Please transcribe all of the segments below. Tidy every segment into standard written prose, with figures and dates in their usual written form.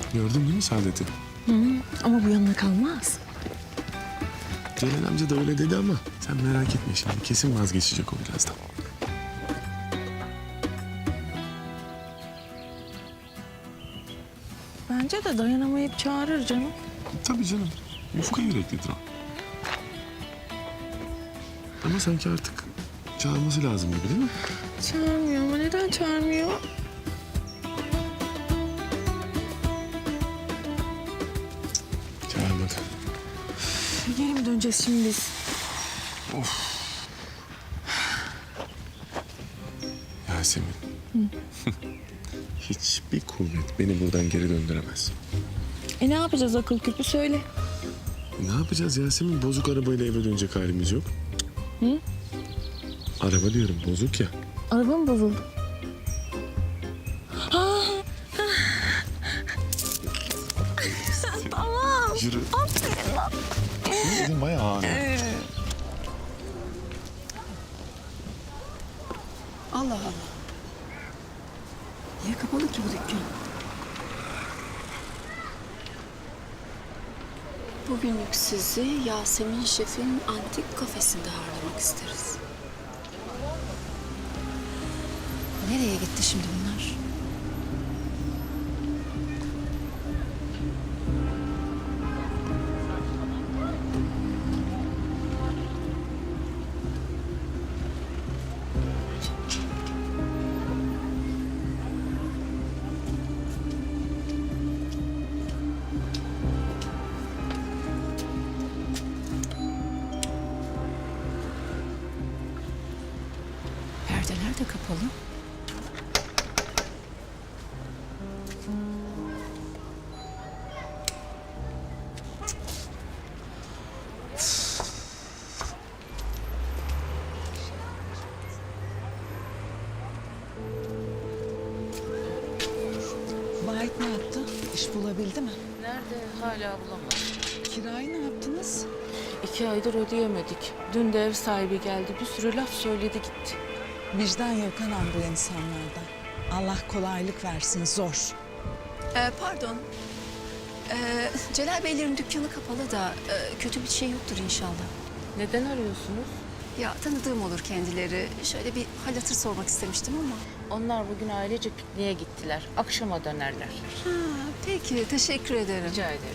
Gördün değil mi Saadet'i? Ama bu yanına kalmaz. Celal amca da öyle dedi ama sen merak etme şimdi. Kesin vazgeçecek o birazdan. Bence de dayanamayıp çağırır canım. Tabii canım. Yufka yüreklidir o. Ama sanki artık çağırması lazım gibi değil mi? Çağırmıyor ama neden çağırmıyor? Çağırmadı. Geri mi döneceğiz şimdi biz? Yasemin. Hiçbir kuvvet beni buradan geri döndüremez. Ne yapacağız akıl küpü söyle. Ne yapacağız Yasemin? Bozuk arabayla eve dönecek halimiz yok. Hı? Araba diyorum bozuk ya. Araba mı bozuldu? Tamam. Yürü. Aferin lan. Senin bayağı ağır. Allah Allah. Niye kapalı ki bu dükkan? Bugünlük sizi Yasemin Şef'in antik kafesinde ağırlamak isteriz. Nereye gitti şimdi bunlar? Perdeler de kapalı. Vahit ne yaptı? İş bulabildi mi? Nerede? Hala bulamadım. Kirayı ne yaptınız? 2 aydır ödeyemedik. Dün de ev sahibi geldi. Bir sürü laf söyledi gitti. Vicdan yok anam bu insanlarda. Allah kolaylık versin, zor. Pardon. Celal Beylerin dükkanı kapalı da kötü bir şey yoktur inşallah. Neden arıyorsunuz? Ya tanıdığım olur kendileri. Şöyle bir hal hatır sormak istemiştim ama. Onlar bugün ailece pikniğe gittiler. Akşama dönerler. Ha, peki teşekkür ederim. Rica ederim.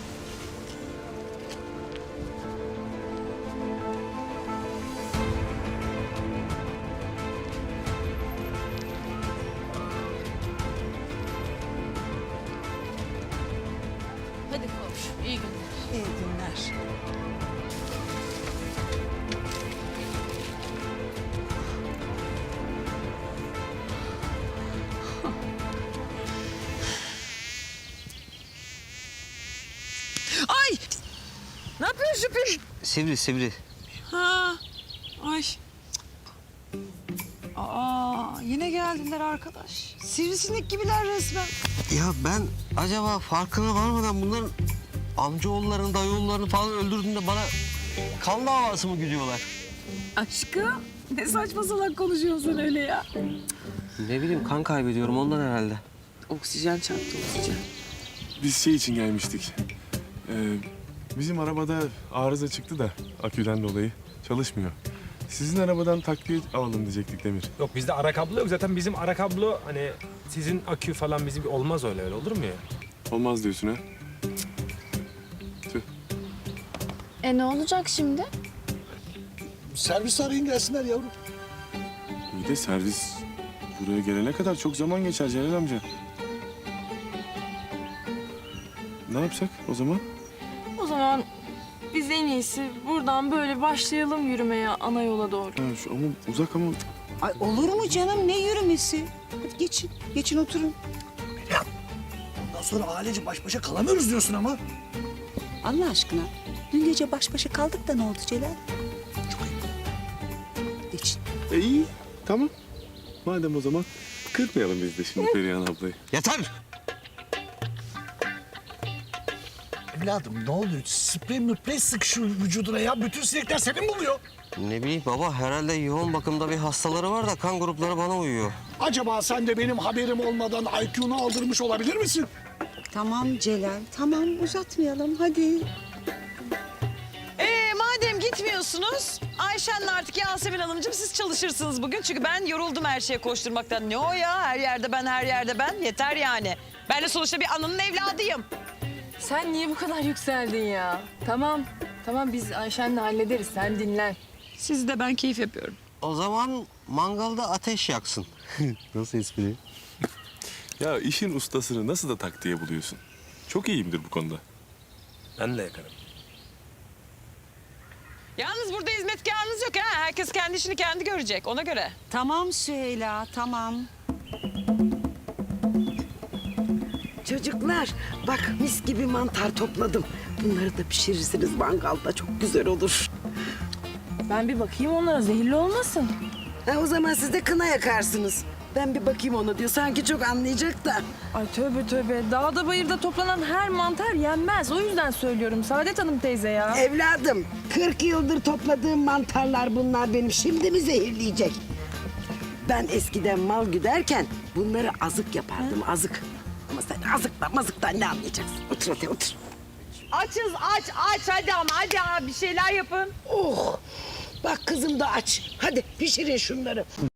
Hadi koş. İyi günler. İyi günler. Ay! Ne yapıyorsun Şüphi? Sivri sivri. Ha, ay. Aa, yine geldiler arkadaş. Sivrisinek gibiler resmen. Ya ben acaba farkına varmadan bunların amcaoğullarını, dayıoğullarını falan öldürdüğünde bana kan davası mı güdüyorlar? Aşkım, ne saçma salak konuşuyorsun sen öyle ya. Ne bileyim kan kaybediyorum ondan herhalde. Oksijen çarptı, oksijen. Biz şey için gelmiştik. Bizim arabada arıza çıktı da aküden dolayı çalışmıyor. Sizin arabadan takviye alalım diyecektik Demir. Yok bizde ara kablo yok. Zaten bizim ara kablo hani sizin akü falan bizim olmaz öyle olur mu ya? Olmaz diyorsun ha? Tüh. Ne olacak şimdi? Servis arayın gelsinler yavrum. İyi de servis buraya gelene kadar çok zaman geçer Celal amca. Ne yapsak o zaman? O zaman biz en iyisi buradan böyle başlayalım yürümeye ana yola doğru. Ha, ama uzak ama Ay olur mu canım, ne yürümesi? Hadi geçin, geçin oturun. Ondan sonra ailece baş başa kalamıyoruz diyorsun ama. Allah aşkına, dün gece baş başa kaldık da ne oldu Celal? Geçin. iyi tamam. Madem o zaman kırmayalım biz de şimdi Perihan ablayı. Yeter! Evladım ne oluyor? Sprey müprey sık şu vücuduna ya. Bütün sinekler seni buluyor. Ne bileyim baba herhalde yoğun bakımda bir hastaları var da kan grupları bana uyuyor. Acaba sen de benim haberim olmadan IQ'nu aldırmış olabilir misin? Tamam Celal, tamam uzatmayalım hadi. Madem gitmiyorsunuz, Ayşen'le artık Yasemin Hanımcığım siz çalışırsınız bugün. Çünkü ben yoruldum her şeye koşturmaktan. Ne o ya? Her yerde ben, her yerde ben. Yeter yani. Ben de sonuçta bir ananın evladıyım. Sen niye bu kadar yükseldin ya? Tamam. Tamam biz Ayşen'le hallederiz. Sen dinlen. Siz de ben keyif yapıyorum. O zaman mangalda ateş yaksın. Nasıl espri? Ya işin ustasını nasıl da taktiğe buluyorsun? Çok iyiyimdir bu konuda. Ben de yakarım. Yalnız burada hizmetkarınız yok ha. Herkes kendi işini kendi görecek ona göre. Tamam Süheyla, tamam. Çocuklar bak mis gibi mantar topladım. Bunları da pişirirsiniz mangalda çok güzel olur. Ben bir bakayım onlara zehirli olmasın. O zaman siz de kına yakarsınız. Ben bir bakayım ona diyor. Sanki çok anlayacak da. Ay tövbe tövbe. Dağda bayırda toplanan her mantar yenmez. O yüzden söylüyorum Saadet Hanım teyze ya. Evladım 40 yıldır topladığım mantarlar bunlar benim. Şimdi mi zehirleyecek? Ben eskiden mal güderken bunları azık yapardım azık. Ama sen azıktan mazıktan ne anlayacaksın? Otur hadi otur. Açız aç hadi ama hadi abi bir şeyler yapın. Oh! Bak kızım da aç. Hadi pişirin şunları.